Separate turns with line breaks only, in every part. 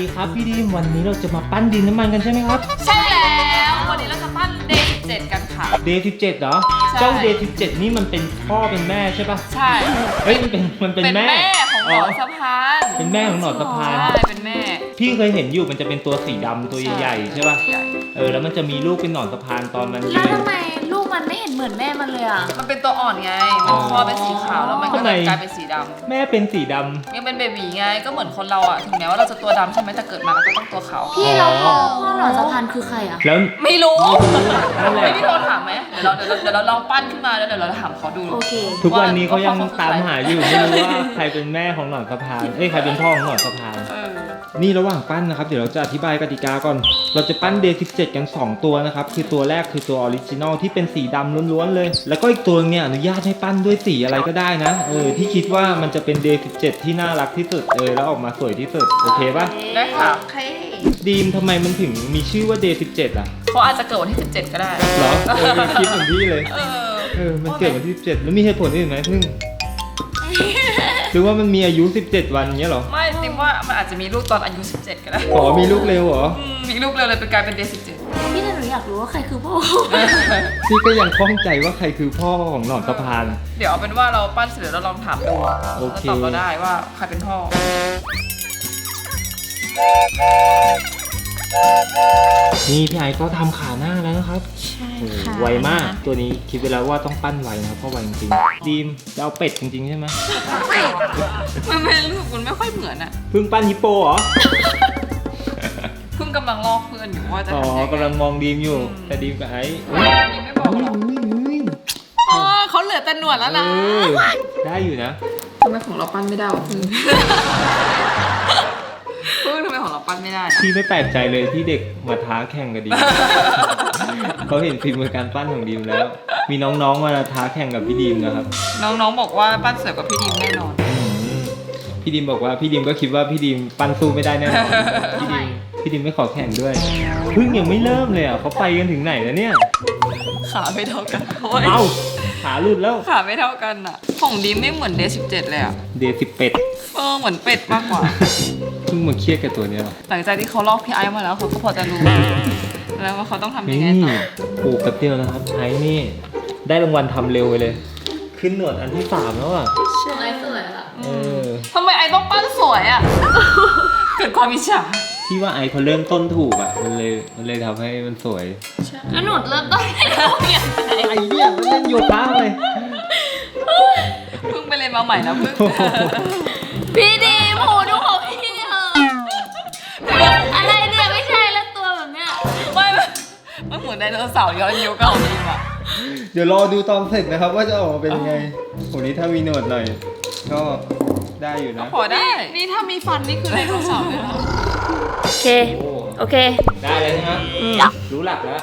ครับพี่ดีมวันนี้เราจะมาปั้นดินน้ำมันกันใช่ไหมครับ
ใช่แล้ววันนี้เราจะปั้น Day 17กันค่ะ
Day 17เหรอเจ้า Day 17นี่มันเป็นพ่อเป็นแม่ใช่ปะ
ใช่
เฮ้ยมันเป็นแม่
ของหนอนสะพาน
เป็นแม่ของหนอนสะพาน
ใช่เป็นแม่
พี่เคยเห็นอยู่มันจะเป็นตัวสีดำตัวใหญ่ๆใช่ปะแล้วมันจะมีลูกเป็นหนอนสะพานตอนมัน
แล้วทำไมลูกมันไม่เห็นเหมือนแม่มันเลยอ่ะ
มันเป็นตัวอ่อนไงมันคอเป็นสีขาวแล้วมันก็เลยกลายเป็นสีดำ
แม่เป็นสีดำ
ยังเป็นเบบีไงก็เหมือนคนเราอ่ะถึงแม้ว่าเราจะตัวดำใช่ไหมแต่เกิดมาเราก็ต้องตัวขาว
พี่เราพ่อหนอนสะพานคือใครอ่ะ
แล้ว
ไม่รู้
นั่นแหละ
พี่โทรถามไหมเดี๋ยวเราลองปั้นขึ้นมาแล้วเดี๋ยวเราถามเขาดู
โอเค
ทุกวันนี้เขายังตามหาอยู่ไม่รู้ว่าใครเป็นแม่ของหนอนสะพานใครเป็นพ่อของหนอนสะพานนี่ระหว่างปั้นนะครับเดี๋ยวเราจะอธิบายกติกาก่อนเราจะปั้น Day 17กัน2ตัวนะครับคือตัวแรกคือตัวออริจินอลที่เป็นสีดำล้วนๆเลยแล้วก็อีกตัวเนี่ยอนุญาตให้ปั้นด้วยสีอะไรก็ได้นะที่คิดว่ามันจะเป็น Day 17ที่น่ารักที่สุดแล้วออกมาสวยที่สุดโอเคปะ
ได้ค่ะ
ดีมทำไมมันถึงมีชื่อว่า Day 17อ่ะ
เขาอาจจะเกิดวันที่17ก็ได้
เหรอคิดเหมือนพี่เลยมันเกิดวันที่17แล้วมีเหตุผลอื่นไหมพึ่งหรือว่ามันมีอายุ17วันเงี้ยหรอ
ไม่จริงว่ามันอาจจะมีลูกตอนอายุ17ก็ได้
มีลูกเร็วเหรอ
มีลูกเร็วเลยเป็นกลายเป็น Day 17
พี่หนูอยากรู้ว่าใครคือพ่อ
พี่ก็ยังคล่องใจว่าใครคือพ่อของหนอนสะพาน
เดี๋ยวเอาเป็นว่าเราปั้นเสร็จแล้วเราลองถามดูแล้วตอบเราได้ว่าใครเป็นพ่อ
นี่พี่ไอก็ทำขาหน้าแล้วนะครับ
ใช่ค่ะ
ไวมากตัวนี้คิดไปแล้วว่าต้องปั้นไวนะครับเพราะไวจริงๆดีมจะเอาเป็ดจริงๆใช่ไหม
มันไม่รู้มันไม่ค่อยเหมือนอะ
เพิ่งปั้นฮิปโปเหรอ
เพิ่งกำลังลอกเพื่อนอยู่ว่าจะทำยังไง
กำลังมองดีมอยู่แต่ดีมกับไอ้
ดีมไม่บอกหรอกเขาเหลือแต่หนวดแล้วนะ
ได้อยู่นะ
ทำไมของเราปั้นไม่ได้วะพึ่งทำไมของเราปั้นไม่ได้
พี่ไม่แปลกใจเลยที่เด็กมาท้าแข่งกับดีมเขาเห็นฝีมือการปั้นของดีมแล้วมีน้องๆมาท้าแข่งกับพี่ดีมนะครับ
น้องๆบอกว่าปั้นสวยกว่าพี่ดีมแน่นอน
พี่ดีมบอกว่าพี่ดีมก็คิดว่าพี่ดีมปั้นสู้ไม่ได้แน่นอนพี่ดิมไม่ขอแข่งด้วยเพิ่งยังไม่เริ่มเลยเขาไปกันถึงไหนแล้วเนี่ย
ขาไม่เท่ากัน
เอาขาหลุดแล้ว
ขาไม่เท่ากันอ่ะของดิมไม่เหมือนDay 17เลยอ่ะ
Day 10เป็ด
เหมือนเป็ดมากกว่า
เพิ่งมาเครียดกับตัวนี้หรอ
หลังจากที่เขาลอกพี่ไอซ์มาแล้วเขาก็พอจะรู้แล้วว่าเขาต้องทำยังไงต่อ
ปลูกแป๊บเดียวนะครับไอซ์นี่ได้รางวัลทำเร็วเลยขึ้นหนวดอันที่3แล้วอ่ะ
ไอซ์สวยละ
ทำไมไอซ์ต้องปั้นสวยอ่ะเกิดความอิจฉา
ที่ว่าไอเขาเริ่มต้นถูกอ่ะมันเลยทำให้มันสวย
แล้วหนูเริ่มต้นไม่ถูกอย่างไร
ไอเนี่ยมันเล่นโยคะเลย
เพิ่งไปเรียนมาใหม่แล้วเพิ่ง
พี่ดีโหดูของพี่เหอะอะไรเนี่ยไม่ใช่แล้วตัวแบบเนี้ย
มันเหมือนไดโนเสาร์ย้อนยุคเก่าจริงอ่ะ
เดี๋ยวรอดูตอนเสร็จนะครับว่าจะออกมาเป็นยังไงโหนี้ถ้ามีหนวดหน่อยก็ได้อยู่นะ
พอได้นี่ถ้ามีฟันนี่คือไดโนเสาร์เลยนะ
โอเค
ได้เลยนะรู้หลักแล้ว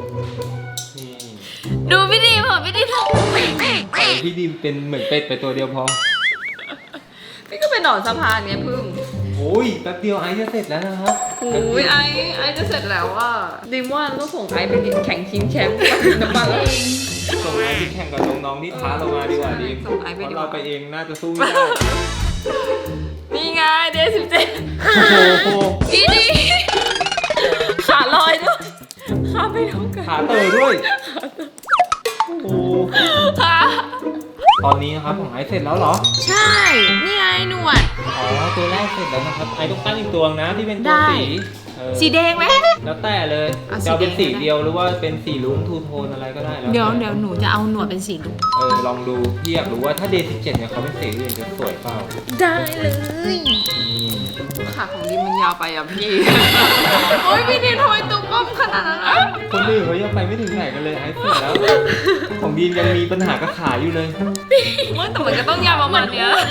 ดูพี่ดีมเหรอพี่ดีม
พี่ดีมเป็นเหมือนเป็ดไปตัวเดียวพอ
พี่ก็เป็นหนอนสะพานไงพึ่ง
โอ้ยแป๊บเดียวไอจะเสร็จแล้วนะครับ
โอ้ยไอจะเสร็จแล้วว่าดิมว่าเราต้องส่งไอไปแข่งชิงแชมป์น้ำมันแล้ว
ส่งไอไปแข่งกับน้องๆที่ท้าเรามาดีกว่าดิ
ส่งไอไปดีกว่า
เราไปเองน่าจะสู้ไม่ได้
นี่ไงDay 17
โอ้โห
พี่ดีขาลอยด้วยขาไม่เท่ากัน
ขาเตยด้วยโอ้ตอนนี้นะครับของไอเสร็จแล้วเหรอ
ใช่นี่ไงหนวด
ตัวแรกเสร็จแล้วนะครับไอต้องตั้งอีกตัวนะที่เป็นตัว
สีแดงไหม
แล้วแต่เลยจะเป็นสีเดียวหรือว่าเป็นสีลุ้งทูโทนอะไรก็ได้แล้ว
เดี๋ยวหนูจะเอาหนวดเป็นสีลุ้ง
ลองดูพี่อยากรู้ว่าถ้าDay 17เนี่ยเขาเป็นสีอื่นจะสวยเปล่า
ได้เลย
ขาของดิมมันยาวไปอ่ะพี่โอ้ยพี่ดิมทำไมตุ้มก้มขนาดนั้น
คนอื่นเขายังไปไม่ถึงไหนกันเลยไอ้เสร็จแล้วของดีมยังมีปัญหากับขาอยู่เลย
แต่มันก็ต้องยาวประมาณเนี้ย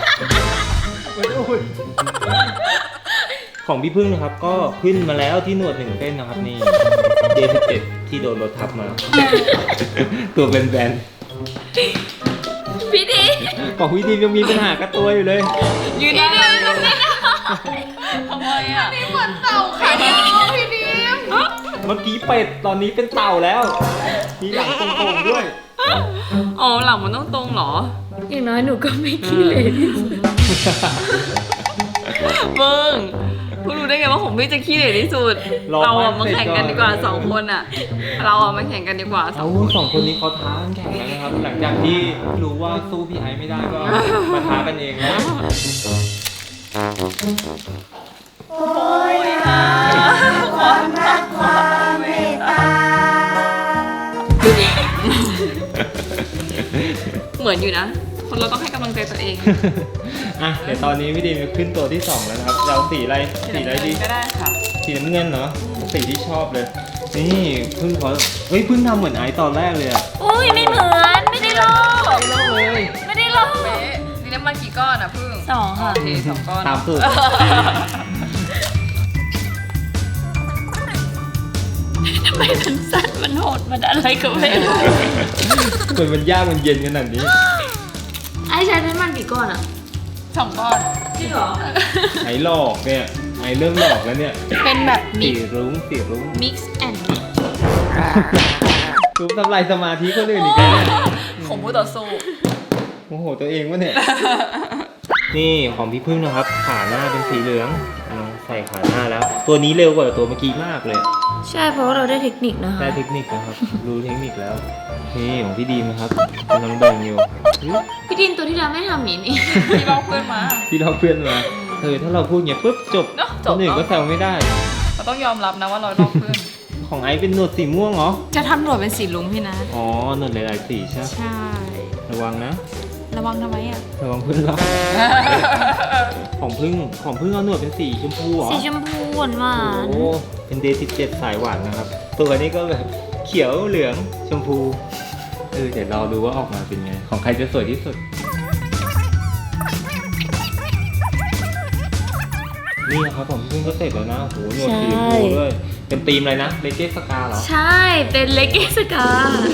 ของพี่พึ่งนะครับก็ขึ้นมาแล้วที่หนวด1เส้นนะครับนี่Day 17ที่โดนรถทับมาตัวแบน
ๆพี่ดี
ของพี่ดียังมีปัญหากับตัวอยู่เลย
ยืนได้ทำไมอ่ะ
นี่เหมือนเต่าค่ะพี่ดี
เมื่อกี้เป็ดตอนนี้เป็นเต่าแล้วมีหลังตรงๆด้วย
หลังมันต้องตรงเหรอ
อย่างน้อยหนูก็ไม่ขี้เลย
เบิ้งพิ่งรู้ได้ไงว่าของพี่จะขี้เหร่ที่สุด
รอ
เราอะ
ปั้
มาน
เสร็จ
แข่งกันดีกว่า
ก่อน
สองคนอะเราอะมาแข่งกันดีกว่าสอ
เอา
งคน
สองคนนี้เขาท้ากันแข่งแล้วนะครับ หลังจากที่รู้ว่าสู้พี่ไอซ์ไม่ได้ก็มาท้ากันเองแล้ว
เหมือนอยู่นะ คนเราต้องให้กำลังใจตัวเอง
อ่ะเดี๋ยวตอนนี้พี่ดีมขึ้นตัวที่ 2 แล้วนะครับเราสีอะไรสีอะไรดี
ก็ได้ค่ะ
สีน้ำเงินเนาะสีที่ชอบเลย นี่เพิ่งเขาเฮ้ยเพิ่งทำเหมือนไอซ์ตอนแรกเลยอะ
อุ้ยไม่เหมือนไม่ได้ลอก
เล่าเลย
ไม่ได้ลอก
เป๊ะมีน้ำมันกี่ก้อนอะพึ่ง
สองค่ะ
โอเคสองก้อน
ตามสูตร
ทำไมมันสั้นมันโหดมันอะไรก็ไม่รู้
เหมือนมันยากมันเย็นขนาดนี้
ไอ้ใช้น้ำมันกี่ก้อนอ่ะ
สองก้อน
จริงเหรอ
ไอหลอกเนี่ยไอเริ่มหลอกแล้วเนี่ย
เป็นแบบ
สีรุ้งสีรุ้ง
mix and
รูปทำลายสมาธิคนอื่นอีกแล้วเนี่ย
ของผู้ต่อสู้
โมโหตัวเองวะเนี่ย นี่ของพี่พึ่งนะครับ ขาหน้าเป็นสีเหลืองลองใส่ขาหน้าแล้ว ตัวนี้เร็วกว่าตัวเมื่อกี้มากเลย
ใช่เพราะว่าเราได้เทคนิคนะคะ
ได้เทคนิคนะครับ รู้เทคนิคแล้ว นี่ของพี่ดีมนะครับกำลังแบ่งอยู่อุ๊ย
พี่ดินตัวที่แล้วไม่ทำอย่างนี้
ที่เราเพื่อนมา
พี่เราเพื่อนมาถ้าเราพูดเงี้ยปุ๊บจบ
เนอะจ
ค
บ
นอื่นก็แซวไม่ได้
เราต้องยอมรับนะว่าเราลอกเพื่อน
ของไอซ์เป็นหนวดสีม่วงเหรอ
จะทำหนวดเป็นสีลุงพี่นะ
อ๋อหนวดหลายๆสีใช่ไหม
ใช่
ระวังนะ
ระวังทำไมอ่ะ
ระวังเพื่อนเรา ของพึ่งเอาหนวดเป็นสีชมพูเหรอ
สีชมพูหวานหวาน
โอ้เป็นเดย์17สายหวานนะครับ ตัวนี้ก็แบบเขียวเหลืองชมพูเดี๋ยวเราดูว่าออกมาเป็นไง ของใครจะสวยที่สุด นี่นะครับผมพี่พึ่งก็เสร็จแล้วนะโอ้โหหนวดสีชมพูด้วยเป็นธีมอะไรนะเลเกสกาเหรอ
ใช่เป็นเลกเกสกา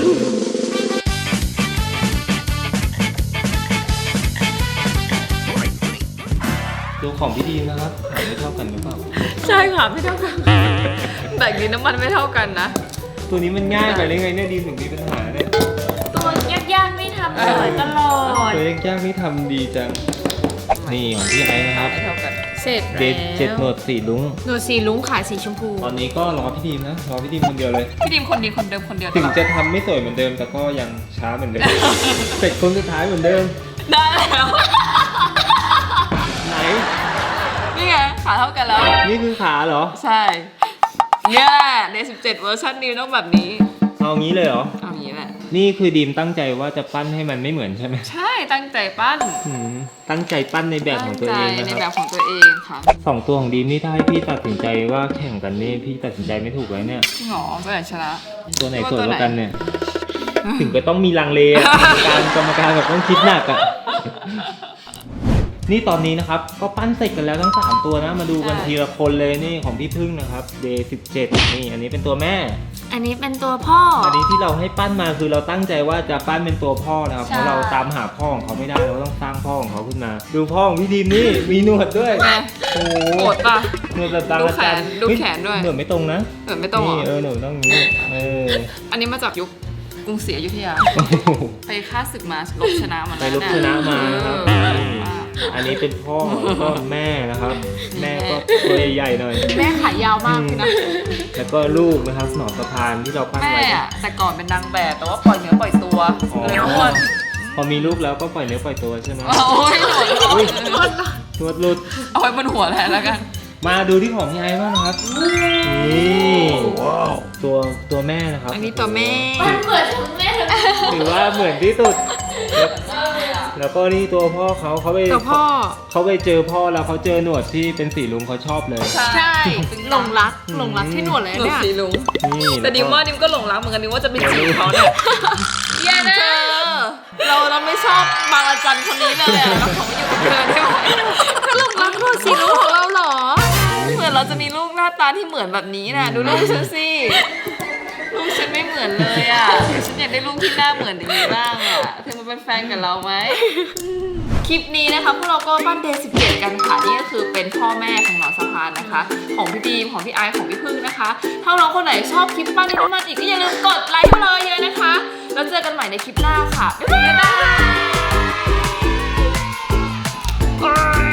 ดูของพี่ดีนะครับขายไม่เท่ากันหรือเปล่า
ใช่ค่ะไม่เท่ากันแต่ดีน้ำมันไม่เท่ากันนะ
ตัวนี้มันง่ายไปได้ไงเนี่ยดีถึงมีปัญหาเนี่ย
ตัวยากๆไม่ทำเลยตลอด
ตัวยังยากนี่ทำดีจัง นี่ของพี่ไอ้นะครับ
ไม่เท่ากัน
เสร็จ
เดทเจ็ดหนวดสีลุ้ง
หนูสีลุ้งขายสีชมพู
ตอนนี้ก็รอพี่ดีมนะรอพี่ดีมคนเดียวเลย
พี่ดิมคนดีคนเดิมคนเดียว
ถึงจะทำไม่สวยเหมือนเดิมแต่ก็ยังช้าเหมือนเดิม เสร็จคนสุดท้ายเหมือนเดิม
ได้แล้ว
ไหน
นี่ไงขาเท่ากันแล้ว
นี่คือขาเหรอ
ใช่เนี่ยใน17เวอร์ชันนี้ต้องแบบนี้
เอางี้เลยเหรอ
เอาอย่างนี้แหละ
นี่คือดีมตั้งใจว่าจะปั้นให้มันไม่เหมือนใช่ไหม
ใช่ตั้งใจปั้น
ตั้งใจปั้นในแบบของตัวเอง
ตั้
นะ
ใจใน
ค
แบ
รับบ
ของตัวเองค่ะ
สองตัวของดีมนี่ถ้าให้พี่ตัดสินใจว่าแข่งกันนี่พี่ตัดสินใจไม่ถูกเลยเนี่ย
จริงเหรอตัวไหนชนะ
ตัวไหนสวยกว่ากันเนี่ย ถึงก็ต้องมีลังเลอะกรรมการแบบต้องคิดหนักอ่ะ นี่ตอนนี้นะครับ ก็ปั้นเสร็จกันแล้วทั้ง 3 ตัวนะ มาดูกัน
ใช่
ทีละคนเลยนี่ของพี่พึ่งนะครับ Day 17นี่อันนี้เป็นตัวแม่
อันนี้เป็นตัวพ่อ
อันนี้ที่เราให้ปั้นมาคือเราตั้งใจว่าจะปั้นเป็นตัวพ่อนะครับ
ใช่
เพราะเราตามหาพ่อของเขาไม่ได้เราต้องสร้างพ่อของเขาขึ้นมา ดูพ่อของพี่ดีมนี่มีหนวดด้วย
ไง
โอ้โห
โกรธป่ะ
หนวดแบบบาง
ดู
อา
แข
จาร
น
ย์
ดูแขนด้วย
หนวดไม่ตรงนะ
ไม่ต้องเหร
นี่
อ
หนวดต้องอย่างนี้
อันนี้มาจากยุคกรุงศรีอยุธยา
โอ้โห
ไปฆ่าศึกมาลบชนะมา
ไป
แล้ว
ลบชนะมานะครับ
เออ
อันนี้เป็นพ่อแล้วก็แม่นะครับ แม่ก็ตัวใหญ่ๆหน่อย
แม่ขายาวมากเลยนะ
แล้วก็ลูกนะครับหนอนสะพานที่เราปั้น
แม่
ไว้
อะแต่ก่อนเป็นนางแบบแต่ว่าปล่อยเนื้อปล่อยตัว
อ๋อ
เลยอ้วน
พอมีลูกแล้วก็ปล่อยเนื้อปล่อยตัวใช่ไหม
โอ้ยหนู
อุ๊ย นวดหลุด
เอาไว้บนหัวแทนแล้วกัน
มาดูที่ของพี่ไอ้บ้างนะครับ นี่ตัวแม่นะครับ
อันนี้ตัวแม่
มันเหมือนทั้งแม่ทั้ง
ถือว่าเหมือนที่สุด แล้วก็นี่ตัวพ่อเขาไป
ตัวพ่อ
เขาไปเจอพ่อแล้วเขาเจอหนวดที่เป็นสีลุงเขาชอบเลย
ใช่
หลงรักที่หนวดเลย
หนวด
เนี่ย
สีลุง
นี่
แต่ดิมว่าดิมก็หลงรักเหมือนกันดิมว่าจะเป็นสีเขาเนี่ย
อย่านะ
เราไม่ชอบบางอาจารย์คนนี้เลยอะเราขอมาอยู่กับเธอได้ไหมก็หลงรักหนวดสีลุงของเราเหรอเหมือนเราจะมีลูกหน้าตาที่เหมือนแบบนี้นะดูลูกฉันสิลูกฉันไม่เหมือนเลยอ่ะฉันอยากได้ลูกที่หน้าเหมือนอย่างนี้บ้างอ่ะเธอมาเป็นแฟนกับเราไหมคลิปนี้นะคะพวกเราก็ปั้นเดย์17กันค่ะนี่ก็คือเป็นพ่อแม่ของหนอนสะพานนะคะ ของพี่ดีมของพี่ไอซ์ของพี่พึ่งนะคะถ้าน้องคนไหนชอบคลิปปั้นดินมันอีกก็อย่าลืมกดไลค์ให้เราเยอะนะคะ แล้วเจอกันใหม่ในคลิปหน้าค่ะบ๊ายบาย